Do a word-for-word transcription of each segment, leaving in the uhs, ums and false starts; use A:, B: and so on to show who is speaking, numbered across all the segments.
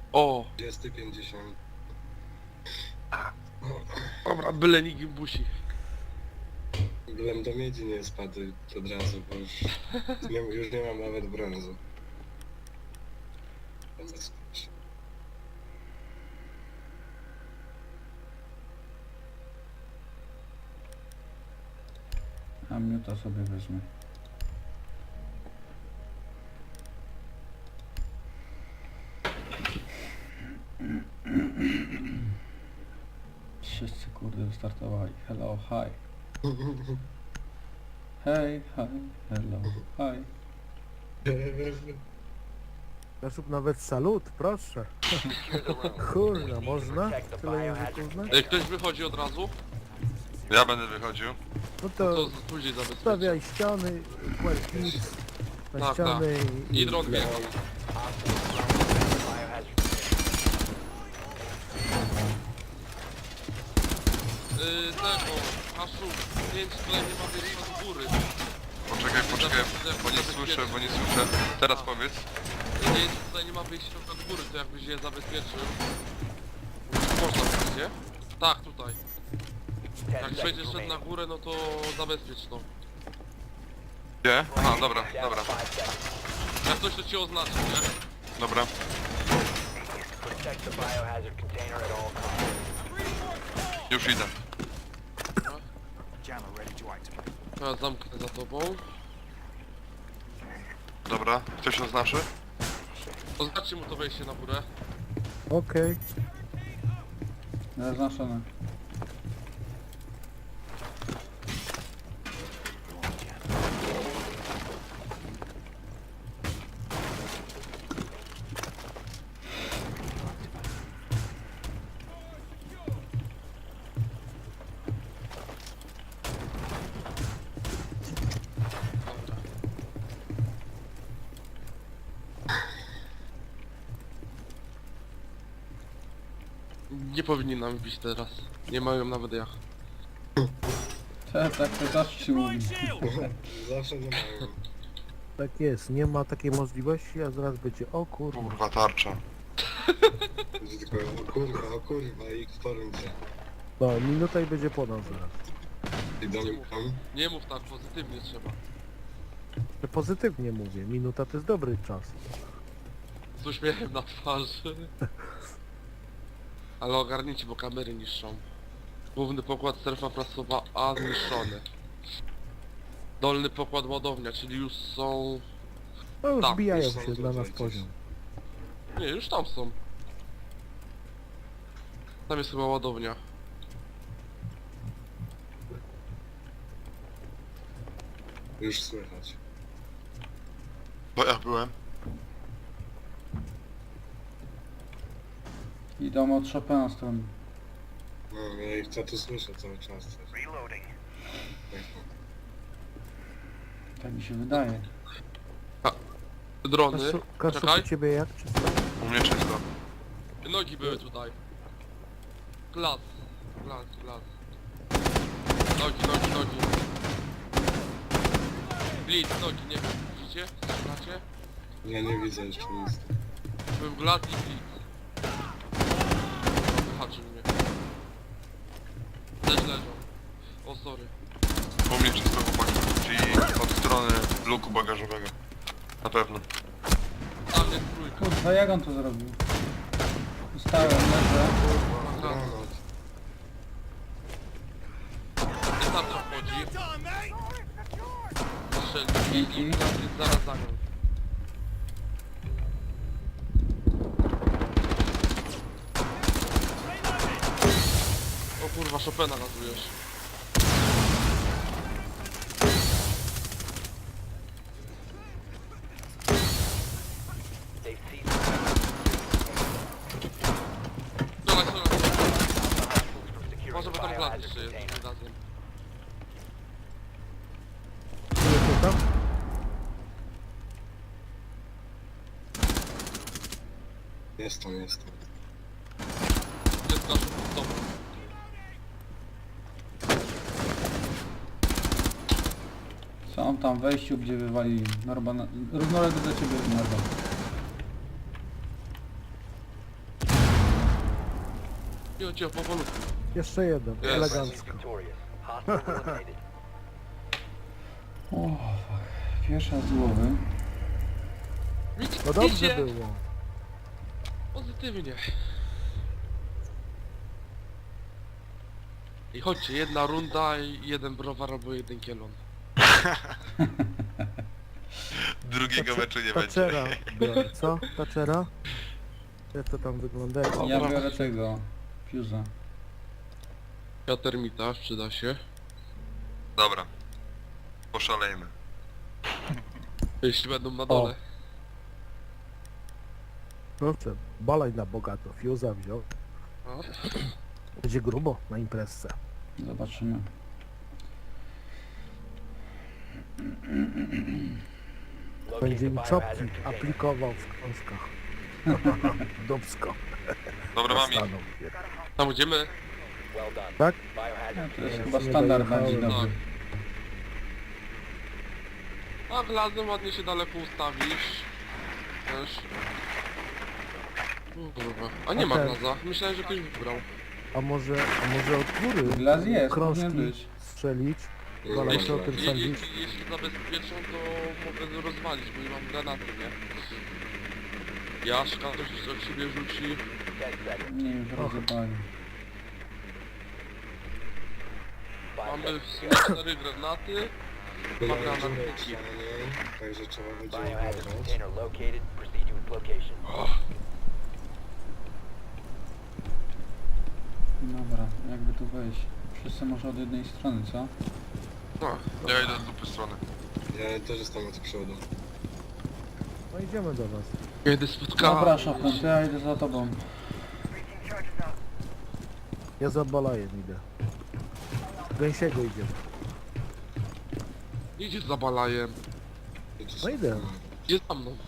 A: O!
B: dwadzieścia pięćdziesiąt.
A: Dobra, byle nikt busi.
B: Bylem do miedzi nie spadł od razu, bo już nie, już nie mam nawet brązu.
C: A miuta sobie wezmę. Wszyscy kurde wystartowali. Hello, hi. Hej, hi, hello, hi.
D: Zasób nawet salut, proszę. Kurna, można? Tyle języków znać?
A: Ej, ktoś wychodzi od razu?
E: Ja będę wychodził.
D: No
A: To
D: to
A: później zabezpieczę.
D: stawiaj ściany, kładź nic na
A: Tak,
D: ściany
A: I dron wjechał. Yy, tego, Aszu, pięć tutaj nie ma wejścia do góry.
E: Poczekaj, poczekaj, bo nie słyszę, bo nie słyszę. Teraz powiedz.
A: Pięć tutaj nie ma wyjścia do góry, to jakbyś je zabezpieczył. Można wyjść, nie? Tak, tutaj. Jak przejdziesz szedł na górę, no to zabezpiecz to.
E: Gdzie? Aha, dobra, dobra,
A: Jak coś to cię oznaczy, nie?
E: dobra. Już idę.
A: Ja zamknę za tobą.
E: Dobra, ktoś oznaczy?
A: Oznaczcie mu to wejście na górę.
D: Okej.
C: Zaznaczone.
A: Nie powinni nam bić teraz. Nie mają nawet jak.
C: Te, tak, to zawsze się mówi.
B: Zawsze nie mają.
D: Tak jest, nie ma takiej możliwości, a zaraz będzie o kurwa.
E: Kurwa, tarcza.
B: Będzie tylko o kurwa, o kurwa i w porundzie.
D: No, minuta i będzie po nas zaraz.
B: Idą tam.
A: Nie mów tak, pozytywnie trzeba.
D: Ja pozytywnie mówię, minuta to jest dobry czas.
A: Z uśmiechem na twarzy. Ale ogarnijcie, bo kamery niszczą. Główny pokład strefa prasowa A zniszczony. Dolny pokład ładownia, czyli już są...
D: No już
A: Tak,
D: wbijają
B: już są
D: się dla nas
B: tutaj
D: poziom.
A: Nie, już tam są. Tam jest chyba ładownia.
B: Już słychać.
E: Bo ja byłem.
C: Idą od Chopina strony.
B: No, ja ich co tu słyszę cały czas też.
C: Tak mi się wydaje.
A: Drony.
D: Kaszu, Kaszu
A: Czekaj.
D: u ciebie jak? Czy...
E: U mnie czysto.
A: Nogi były tutaj. Glas. Glas, glas. Nogi, nogi, nogi. Blitz, nogi, nie wiem. Widzicie? Strzelacie?
B: Ja nie widzę jeszcze nic.
A: Był glas i blitz. Wyhaczył mnie. Też leżą. O, sorry.
E: U mnie czysto, chłopaki. Czyli od strony luku bagażowego. Na pewno.
A: Tam jest trójka.
C: Kurwa, jak on to zrobił? Stałem, leżę.
B: Granat.
A: Nie tam co wchodzi. Strzelił i
C: Dzięki.
A: i glas jest zaraz za nią. O kurwa, Chopina gazujesz. Strzelaj, strzelaj. Może bo tam glas jeszcze jest tym razem.
D: Czujecie tam?
B: Jestem, jestem.
A: Jest nasz stop.
C: Są tam w wejściu, gdzie wywalili. Norba, na... równolegle do ciebie, Norba.
A: Cicho, cicho, powolutku.
D: Jeszcze jeden,
A: Jest.
D: elegancko.
C: O, fuck. Pierwsza z głowy.
D: No dobrze
A: Widzicie?
D: było.
A: Pozytywnie. I chodźcie, jedna runda i jeden browar albo jeden kielon.
E: Drugiego meczu nie będzie.
D: Taczera biorę, co? Taczera? Jak to tam wygląda? Jak-
C: Ja biorę tego. Fuse'a.
A: Ja termita, przyda się.
E: Dobra. Poszalejmy.
A: Jeśli będą na dole.
D: Proszę, balaj na bogato, Fuse'a wziął.
A: O.
D: Będzie grubo na imprezce.
C: Zobaczymy.
D: Będzie mi czopki aplikował w krążkach. Dubsko.
E: Dobra, mami.
D: Dostaną.
A: Tam idziemy.
D: Tak?
C: No, to jest
D: Ja
C: chyba
D: nie
C: standard na
D: dojechałem.
C: dzień dobry.
A: A glazem ładnie się daleko ustawisz. Też. O, kurwa. A nie ma
D: Okej.
A: glaza. Myślałem, że ktoś wybrał.
D: A może, a może od góry
C: Glas jest,
D: krążki
C: powinien być.
D: strzelić?
B: Nie
D: Dwa
B: ma
D: lata o
B: glazu.
D: tym
A: Je, je,
D: sądzisz?
A: jeśli zabezpieczą, to mogę rozwalić, bo nie mam granaty, nie? Jaszka też jeszcze od siebie rzuci.
C: Nie, już rozjebali.
A: Mamy w sumie cztery granaty.
B: My
A: Ma
B: mamy
A: granat
B: dziurę
A: taki.
B: w ścianie, także trzeba będzie
F: Biohazard
B: uważać.
F: container located. Proceed to its location.
C: Dobra, jakby tu wejść? Wszyscy może od jednej strony, co?
A: No,
E: Ja idę z dupy strony.
B: Ja też jestem od przodu.
D: No idziemy do was.
A: kiedy spotkałem.
C: Dobra, Szopon, to ja idę za tobą.
D: Ja za balajem idę. Gęsiego idziemy.
A: Idzie za balajem.
D: No idę.
A: Idzie za mną.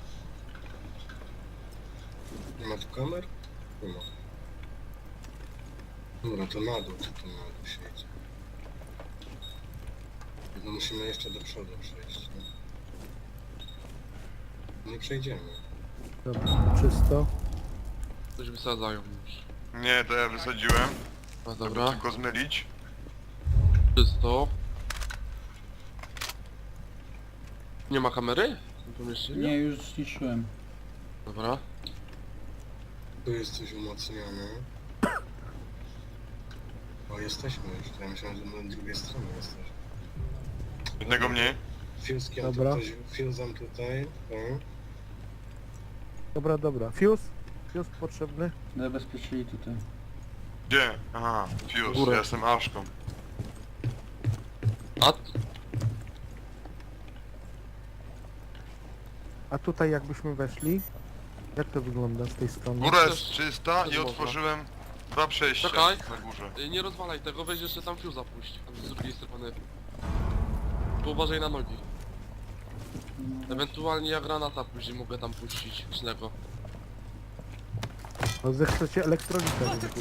B: Nie ma tu kamer? Nie ma. Dobra, to na dół, czy to na dół siedzi. No musimy jeszcze do przodu przejść, nie? Nie przejdziemy.
D: Dobra, czysto.
A: Coś wysadzają już.
E: Nie, to ja wysadziłem.
A: No
E: Dobra.
A: dobra,
E: Tylko zmylić.
A: czysto. Nie ma kamery? W tym pomieszczeniu?
C: Nie, już zniszczyłem.
A: Dobra.
B: Tu jest coś umocnione. O, jesteśmy już. Ja myślałem, że na drugiej stronie jesteś.
E: Jednego mniej.
B: Fuskiem
D: Dobra.
B: tutaj, fuzem tutaj. O.
D: Dobra, dobra. Fuse? Fuse potrzebny?
C: Zabezpieczyli tutaj.
E: Gdzie? Aha, Fuse,
A: Górę.
E: ja jestem Aszką.
A: A
D: A tutaj jakbyśmy weszli? Jak to wygląda z tej strony?
E: Góra
A: też-
E: jest czysta
A: też
E: i
A: można.
E: otworzyłem dwa przejścia
A: Czekaj.
E: na górze.
A: y, nie rozwalaj tego, weź jeszcze tam fiuza puść. Tam z drugiej strony. Tu uważaj na nogi. Ewentualnie ja granata później mogę tam puścić. Licznego.
D: No zechcecie elektrolita wypuścić.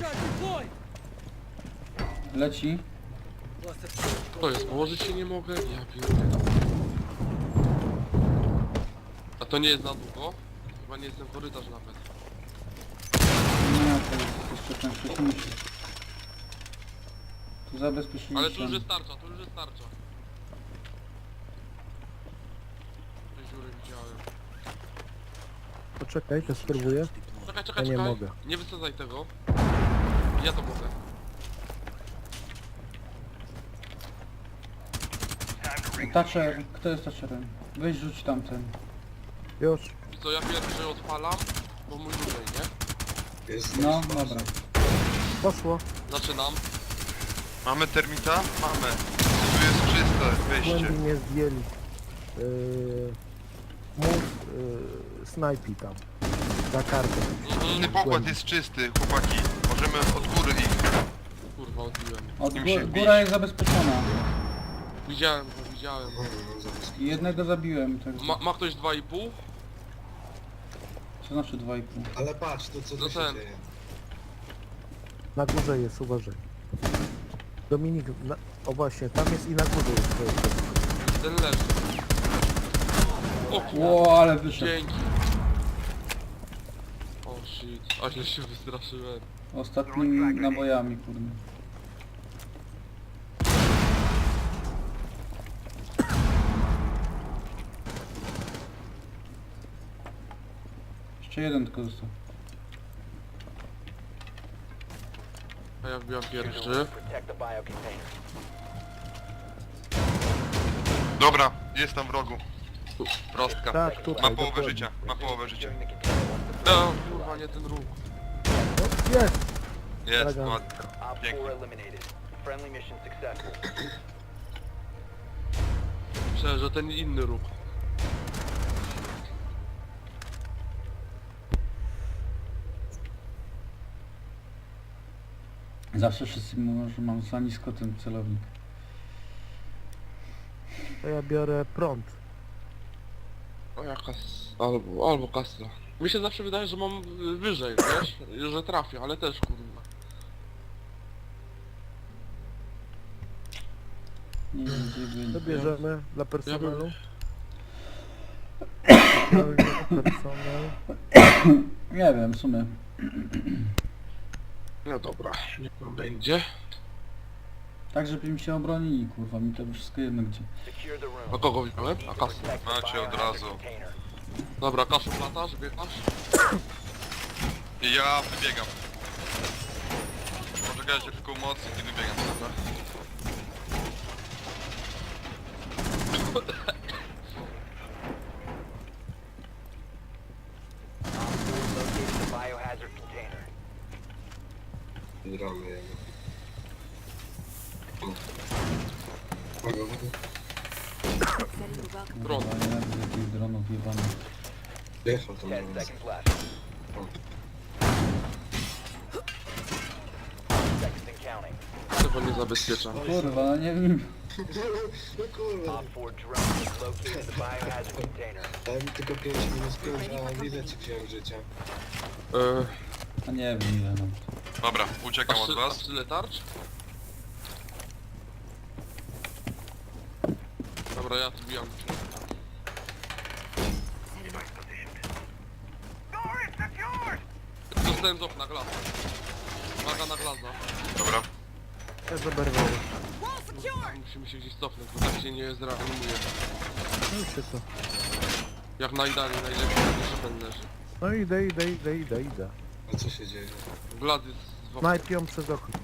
C: Leci.
A: To jest, położyć się nie mogę? Ja pierdolę. A to nie jest na długo? Chyba nie jest ten korytarz nawet.
C: Nie, to jest jeszcze ten wcześniejszy. Tu zabezpieczyli
A: Ale tu
C: się.
A: już jest tarcza, tu już jest tarcza. Te dziury widziałem.
D: Poczekaj, to spróbuję.
A: Czekaj, czekaj,
D: Ja nie
A: czekaj.
D: mogę.
A: Nie wysadzaj tego. Ja to mogę.
C: Thatcher, kto jest Thatcherem? Weź rzuć tamten.
D: Już.
A: I co, ja pierwszy odpalam, bo mój dłużej, nie?
B: Jest
C: No,
B: też
C: dobra.
D: Poszło.
A: Zaczynam.
E: Mamy termita? Mamy. Tu jest czyste wejście.
D: Głębi nie zdjęli. Yy, mów yy, snajpi tam. Za kartę.
A: Mhm.
E: Ten pokład jest czysty, chłopaki. Możemy od góry ich.
A: Kurwa, odbiłem.
C: Od
E: Nim
C: gó
E: się bić.
C: góra jest zabezpieczona.
A: Widziałem go, widziałem.
B: Mhm, no, zaraz.
C: Jednego zabiłem, tak.
A: Ma, ma ktoś dwa i pół?
C: Co znaczy dwa i pół?
B: Ale patrz, to co
A: No
B: tu się
A: ten.
B: dzieje.
D: Na górze jest, uważaj. Dominik, na, o właśnie, tam jest i na górze jest twoje dziecko.
A: Ten leży. O kurwa.
C: Ło, ale wyszedł.
A: Dzięki. O shit, a źle się wystraszyłem.
C: Ostatnimi nabojami, kurde. Jeszcze jeden tylko został.
A: A ja wbijam pierwszy.
F: Protect the bio container.
E: Dobra, jest tam w rogu. Prostka.
D: Tak, tutaj,
E: Ma połowę
D: dokładnie.
E: życia, ma połowę życia.
F: Securing the container once the
A: No kurwa, nie ten ruch.
D: No, jest!
E: Jest,
D: Elegancko.
E: ładnie.
F: Op
E: Pięknie.
F: four eliminated. Friendly mission successful.
A: Myślę, że ten inny ruch.
C: Zawsze wszyscy mówią, że mam za nisko ten celownik.
D: To ja biorę prąd.
A: O jakaś... albo, albo kastra. Mi się zawsze wydaje, że mam y, wyżej, wiesz? Że trafię, ale też kurwa.
C: Nie wiem gdzie
D: To
C: będzie.
D: bierzemy dla personelu. Personel.
C: Nie wiem, w sumie.
A: No dobra, niech pan będzie.
C: Tak, żeby mi się obronili, kurwa, mi to wszystko jedno gdzie.
F: Secure the room.
A: A kogo wziąłem? A kasę.
F: Protect the
E: Macie od
F: biohazard
E: razu.
F: container.
A: Dobra, kaszu latasz, biegasz?
E: I ja wybiegam. Poczekajcie tylko mocy i wybiegam.
A: Dobra.
F: Located the biohazard container.
B: Gramy jego. Uwaga, uwaga.
A: Dron.
C: Kurwa, nie wiem, jakich dronów jebanych.
B: Jechał tam na
F: Ten
B: nas.
F: seconds left. Seconds and counting.
A: Tego nie zabezpieczam.
C: Kurwa, no nie wiem.
B: No kurwa.
F: Op four drone has located the biohazard container.
B: Dałem mi tylko pięć minus pięć, a ile ci wziąłem życia?
A: Eee,
C: A nie wiem ile mam.
E: Dobra,
A: a
E: uciekam od
A: trzy- a
E: was.
A: tyle tarcz? Dobra, ja tu bijam. Dostałem z okna, glaza. Uwaga na glaza.
E: Dobra.
D: Ja zaberwałem.
A: Musimy się gdzieś cofnąć, bo tak się nie zreanimuje.
D: No i się co?
A: Jak najdalej, najlepiej, jak jeszcze ten leży.
D: No idę, idę, idę, idę, idę.
B: A co się dzieje?
A: Glad jest w oknie.
D: Snajpią przez okno.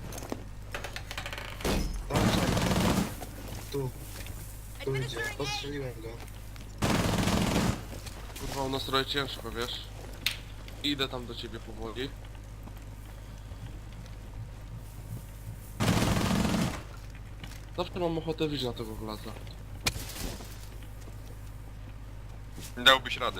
B: Tam, tu. Tu idzie. Postrzeliłem go.
A: Kurwa, u nas trochę ciężko, wiesz? Idę tam do ciebie powoli. Zawsze mam ochotę wyjść na tego glaza.
E: Dałbyś rady.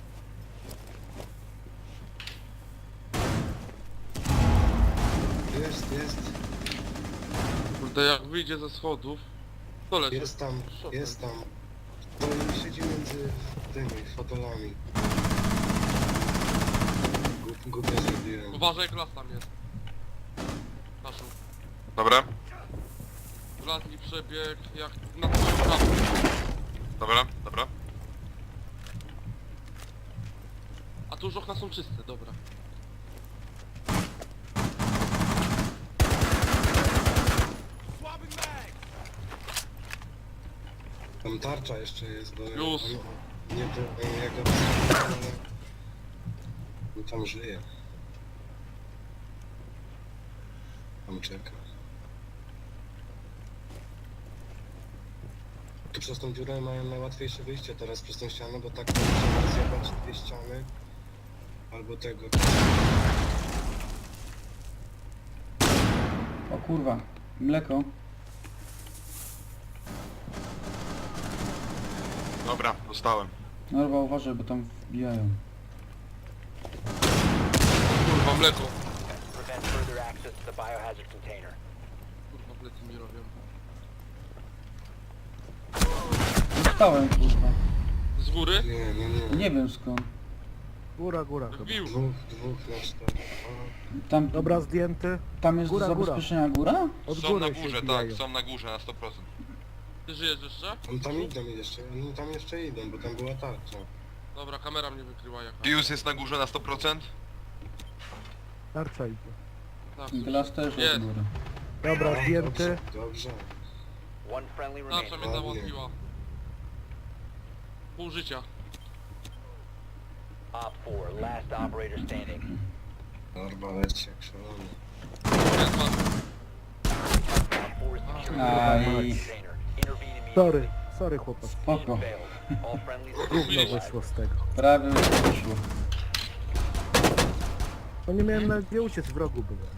B: Jest, jest.
A: Kurde, jak wyjdzie ze schodów, to leci.
B: Jest tam, jest tam. To siedzi między tymi fotolami. Głup- Głupio zrobiłem.
A: Uważaj, glas tam jest. Kaszu.
E: Dobra,
A: Glas mi przebiegł jak na twoją prawą.
E: dobra, dobra.
A: A tu już okna są czyste, dobra.
B: Tam tarcza jeszcze jest, bo...
A: Już.
B: on- Nie, to on jak go wstrzymał, ale... On tam żyje. Tam czeka. Tu przez tą dziurę mają najłatwiejsze wyjście teraz przez tą ścianę, bo tak trzeba zjebać dwie ściany. Albo tego.
C: O kurwa, mleko.
E: Dobra, dostałem.
C: Norwa, uważaj, bo tam wbijają.
A: Kurwa, mleko.
F: Prevent further access to the biohazard container.
A: Kurwa, plecy mi robią.
C: Dostałem, kurwa.
A: Z góry?
B: Nie, nie, nie.
C: Nie wiem skąd.
D: Góra, góra chyba.
A: Wbił.
B: Dwóch, dwóch na cztery.
C: Tam,
D: Dobra, zdjęty.
C: tam jest
D: góra,
C: do
D: góra.
C: zabezpieczenia góra?
D: Od
E: Są
D: góry
E: na
D: się
E: górze, tak,
D: wbijają.
E: są na górze na sto procent.
A: Ty żyjesz jeszcze?
B: On tam idą jeszcze, oni tam jeszcze idą, bo tam była tarcza.
A: Dobra, kamera mnie wykryła jaka.
E: Pius jest na górze na sto procent.
D: Tarcza idzie.
A: Tak,
C: Glass też
A: Jest.
C: od góry.
D: Dobra,
B: O,
D: zdjęty.
B: Dobrze, dobrze.
F: One friendly
A: Tarcza
F: remaining.
A: mnie załatwiła. Pół życia.
F: Op four, last operator standing.
B: Norba leci jak szalony.
A: Jest was.
F: Op four is securing the
C: Aj.
F: biohazard container. Intervene immediately.
D: Sorry, sorry chłopak.
C: Spoko.
F: Failed. All friendlies are
D: Gówno
F: neutralized.
D: wyszło z tego.
C: Prawie już wyszło.
D: No nie miałem nawet gdzie uciec, w rogu byłem.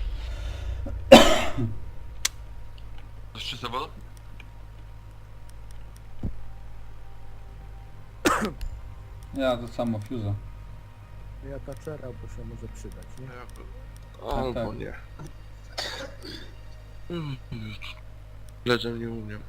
E: Jeszcze zabawę?
C: Ja to samo fuse'a.
D: Ja taczera, bo się może przydać, nie?
A: Albo
C: tak.
A: nie. Legend nie umiem.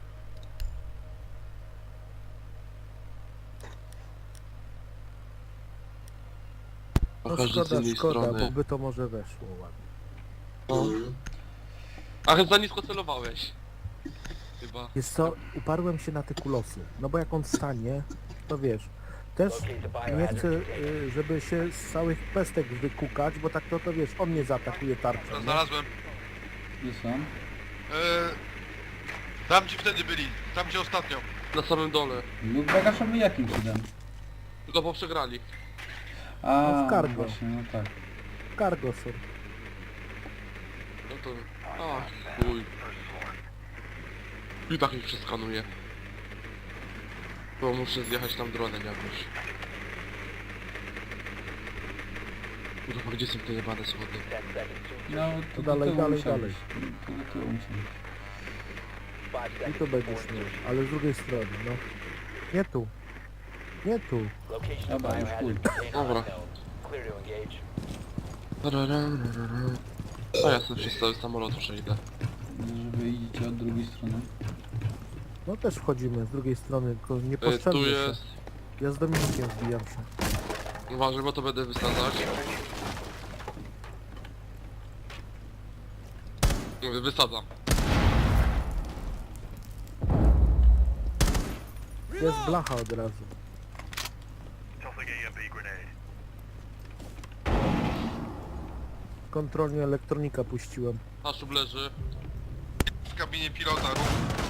D: No
A: Każdy z
D: szkoda,
A: innej
D: szkoda, bo
A: strony.
D: by to może weszło ładnie.
A: No.
B: Mhm.
A: Ach, za nisko celowałeś. Chyba.
D: Jest co, uparłem się na te kulosy. No bo jak on stanie, to wiesz. Też
F: Locate the
D: nie
F: biohazard
D: chcę,
F: container.
D: y, żeby się z całych pestek wykukać, bo tak to, to wiesz, on mnie zaatakuje tarczą. nie?
E: Znalazłem.
C: Gdzie są?
E: Eee, tam gdzie wtedy byli, tam gdzie ostatnio.
A: Na samym dole.
C: Lub bagaszowy jakim cudem?
A: Tylko po przegrali.
C: A,
D: No w cargo.
C: właśnie, no tak.
D: Cargo są.
A: No to... Ach, chuj. I tak ich przeskanuję. Bo muszę zjechać tam dronem jakoś. Kurwa, gdzie są te jebane schody?
F: Ten seconds to
C: No, to
D: To
C: do
D: dalej,
C: tyłu
D: dalej,
C: musiał
D: dalej.
C: iść. To do tyłu musiał iść.
F: five
D: I
F: seconds
D: to
F: before
D: będziesz miał,
F: insertion.
D: ale z drugiej strony, no. Nie tu. Nie tu.
F: Location of
C: Dobra, już
F: biohazard
C: chuj.
F: container
A: Dobra.
F: unknown. Clear to engage.
A: A ja sobie przez cały samolot przejdę.
C: Żeby idziecie od drugiej strony.
D: No też wchodzimy z drugiej strony, tylko nie
A: Y,
D: poszczędzę
A: tu
D: się.
A: jest...
D: Ja z Dominikiem wbijam się.
A: Uważaj, bo to będę wysadzać. Mówię, wysadzam.
D: Jest blacha od razu. Kontrolnie elektronika puściłem.
A: Haszub leży.
E: W kabinie pilota rób.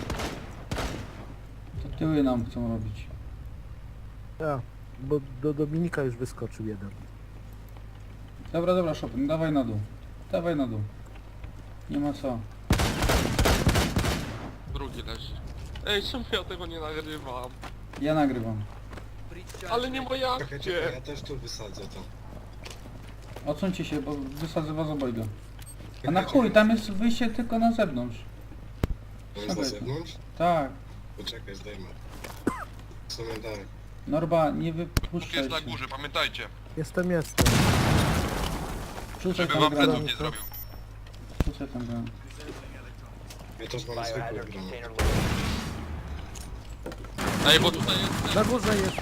C: To tyły nam chcą robić.
D: Ja, bo do Dominika już wyskoczył jeden.
C: Dobra, dobra, Chopin, dawaj na dół. Dawaj na dół. Nie ma co.
A: Drugi leży. Ej, czemu ja tego nie nagrywam?
C: Ja nagrywam.
A: Ale nie moja
B: Czekaj, czekaj,
A: akcja.
B: ja też tu wysadzę to.
C: Odsuńcie się, bo wysadzę was obojga. A na chuj, tam jest wyjście tylko na zewnątrz.
B: To jest na zewnątrz?
C: Tak.
B: Poczekaj, zdejmę. W sumie tak.
C: Norba, nie
E: Bóg
C: wypuszczaj
E: jest na
C: się.
E: górze, pamiętajcie.
D: Jestem, jestem.
C: Rzucaj
E: Żeby
C: tam
E: wam pleców
C: granat.
E: nie zrobił.
C: Rzucaj tam granat.
B: Ja też mam zwykły
F: Biohazard
B: granat.
F: container located.
A: Ej, bo tutaj jest...
D: Na górze jest.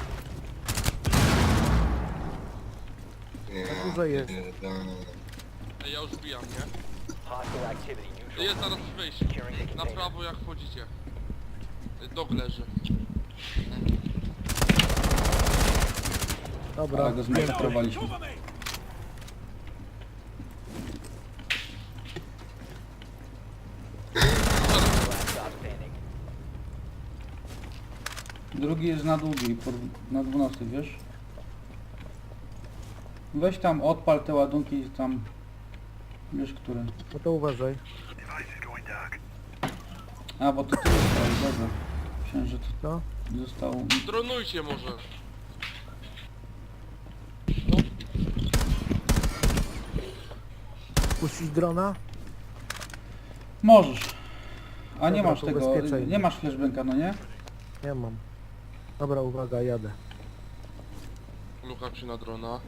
B: Nie,
D: Na górze jest.
B: nie, no.
A: Ej, ja już wbijam, nie?
F: Hostile activity neutral.
A: Jest zaraz wejście.
F: Securing the
A: Na
F: container.
A: prawo jak wchodzicie. Dog leży.
D: Dobra,
C: Ale go zmasakowaliśmy.
F: Last stop standing.
C: Drugi jest na długiej, por- na dwunastej, wiesz? Weź tam, odpal te ładunki i tam... Wiesz, które.
D: no to uważaj.
C: A, bo to ty zostałeś, dobra. Myślałem, że to
D: No.
C: zostało...
A: Dronujcie może.
D: Puścić drona?
C: Możesz. A nie
D: Dobra,
C: masz
D: to
C: tego,
D: ubezpieczaj.
C: nie masz flashbanka, no nie?
D: Nie mam. Dobra, uwaga, jadę.
A: Lukam się na drona.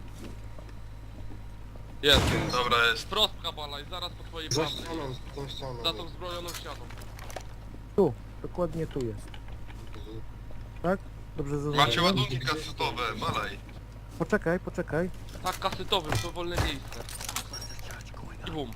A: Jest.
E: Dobra, jest.
A: Wprost kabala i zaraz po twojej
B: Za
A: prawej.
B: ścianą, za tą ścianą.
A: Za tą zbrojoną ścianą.
D: Tu, dokładnie tu jest.
B: Mhm.
D: Tak? Dobrze
E: Macie
D: zaznaczyłem?
E: ładunki kasetowe, malaj.
D: Poczekaj, poczekaj.
A: Tak, kasetowym, to wolne miejsce. I bum.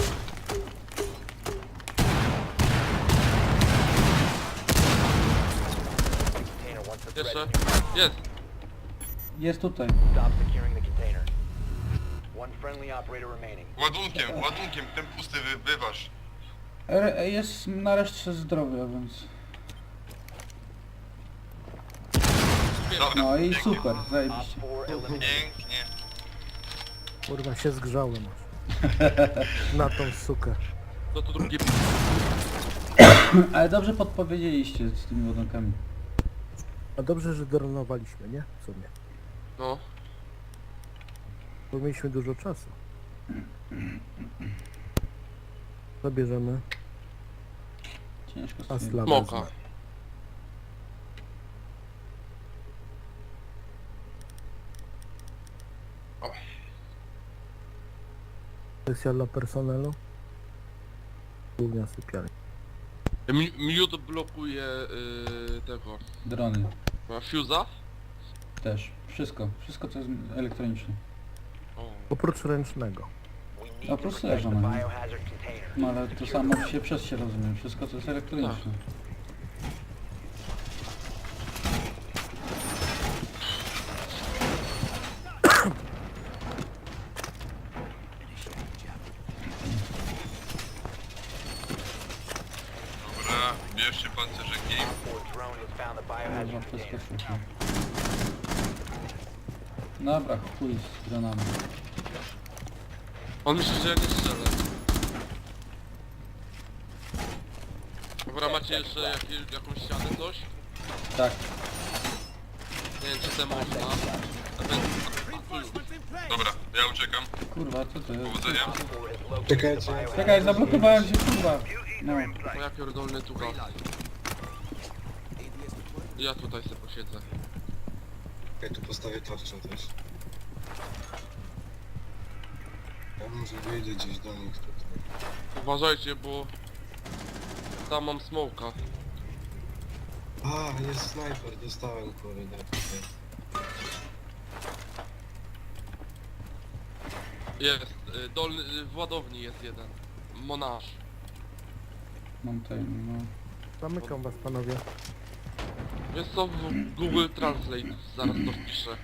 F: Container once the threat
A: Jeszcze.
F: is neutralized.
A: Jest.
C: Jest tutaj.
F: Stop securing the container. One friendly operator remaining.
E: Ładunkiem, ładunkiem, ten pusty wy, wyważ.
C: R jest nareszcie zdrowy, a więc...
E: Dobra,
C: No i
E: pięknie.
C: super,
F: Op
C: zajebiście.
F: four eliminated.
E: Pięknie.
D: Kurwa, się zgrzałem aż. Na tą sukę.
A: No to drugie...
C: Ale dobrze podpowiedzieliście z tymi ładunkami.
D: A dobrze, że dronowaliśmy, nie? W sumie.
A: No.
D: Bo mieliśmy dużo czasu. Zabierzemy
C: Ciężko z tymi...
D: Asla
A: Smoka.
D: wezmę. Sesja dla personelu. Głównia sypialnia.
A: Mi- Miód blokuje yy, tego...
C: Drony
A: Ma fuse'a?
C: też. Wszystko. Wszystko co jest elektroniczne.
A: O.
D: Oprócz ręcznego.
F: We
C: No,
F: need to
C: prosto
F: protect the
C: leżą, no.
F: biohazard container.
C: No ale to samo się przez się rozumie. Wszystko co jest elektroniczne.
E: Dobra, bierzcie pancerzeki.
F: Op four drone has found the
C: Kurwa,
F: biohazard
C: wszystko
F: container.
C: szło. Dobra, chuj z dronami.
A: On myśli, że ja nie strzelę. Dobra, macie jeszcze jakieś, jakąś ścianę, coś?
C: Tak.
A: Nie wiem, czy te można. Nawet... A, tu już.
E: Dobra, ja uciekam.
C: Kurwa, co to jest?
E: Powodzenia.
F: Op four has located
B: Czekajcie.
F: the biohazard
C: Czekaj, zablokowałem się, kurwa. No.
A: O, ja pierdolny tu gaz. Ja tutaj sobie posiedzę.
B: Ja tu postawię tarczę też. Ja może wyjdę gdzieś do nich tutaj.
A: Uważajcie, bo... Tam mam smoka.
B: A, jest snajper, dostałem kurde tutaj.
A: Jest, y, dolny, y, w ładowni jest jeden. Monarz.
C: Mam tutaj, no.
D: Zamykam was, panowie.
A: Jest to w Google Translate, zaraz to wpiszę.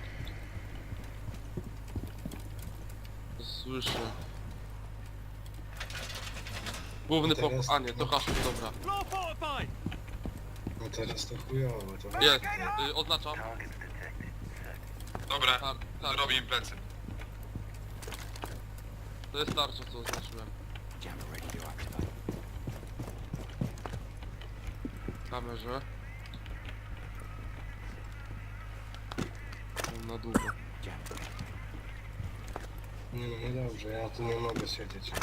A: Słyszę. Główny
B: Teraz-
A: pokój, a nie, to Haszów, dobra.
B: No teraz to chujowo, to
A: Jest, y, oznaczam.
E: Dobra,
A: Tar tarcza.
E: zrobię im plecy.
A: To jest tarcza, co oznaczyłem. W kamerze. Mam na długo.
B: Nie no, no dobrze, ja tu nie mogę siedzieć.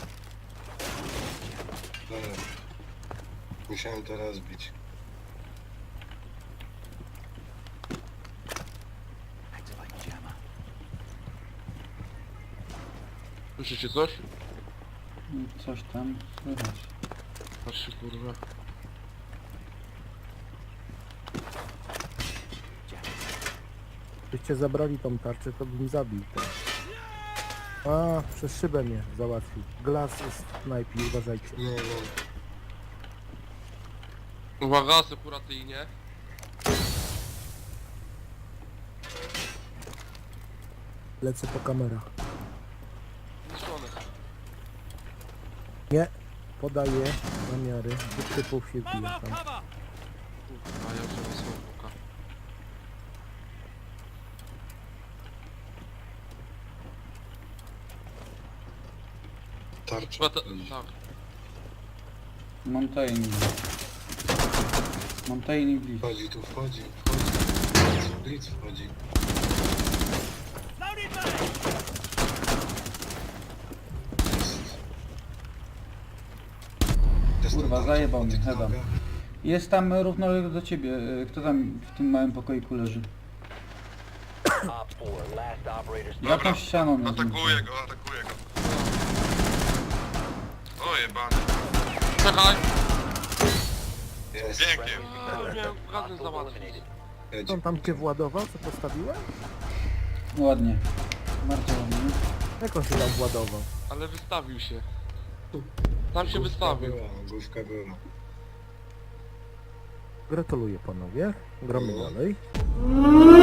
B: Dobra. Musiałem to rozbić.
A: Słyszycie coś?
C: Coś tam słychać.
A: Patrzcie, kurwa.
D: Byście zabrali tą tarczę, to bym zabił ten. A, przez szybę mnie załatwił. Glas jest w knajpie, uważajcie.
B: Nie no,
A: Uwaga, sekuratyjnie.
D: Lecę po kamerach.
A: Zniszczone.
D: Nie, podaję namiary. Dwóch typów się bije tam.
A: Kurwa, ja wziąłem smoka.
B: tarcza.
A: Chyba ta,
B: wchodzi.
A: tak.
C: Montaigne. Montaigne Blitz.
B: Wchodzi tu, wchodzi, wchodzi. Blitz wchodzi. Jest. Jest
C: Kurwa,
B: tam
C: zajebał
B: tarcza
C: mnie,
B: po tych
C: heada.
B: nogach.
C: Jest tam równolegle do ciebie. y, Kto tam w tym małym pokoiku leży?
F: Op four, last operator standing.
C: Jakąś ścianą mnie
E: Atakuję go, atakuję go. O jebany.
A: Czekaj!
B: Jest.
E: Pięknie.
A: A, miałem razem
F: Hostile
A: załatwić.
F: eliminated.
B: Jedź.
D: On tam cię władował, co postawiłem?
C: Ładnie. Bardzo ładnie.
D: Jak on się tam władował?
A: Ale wystawił się. Tam się
B: Główka
A: wystawił.
B: była, główka była.
D: Gratuluję panowie. Gramy
B: No.
D: dalej.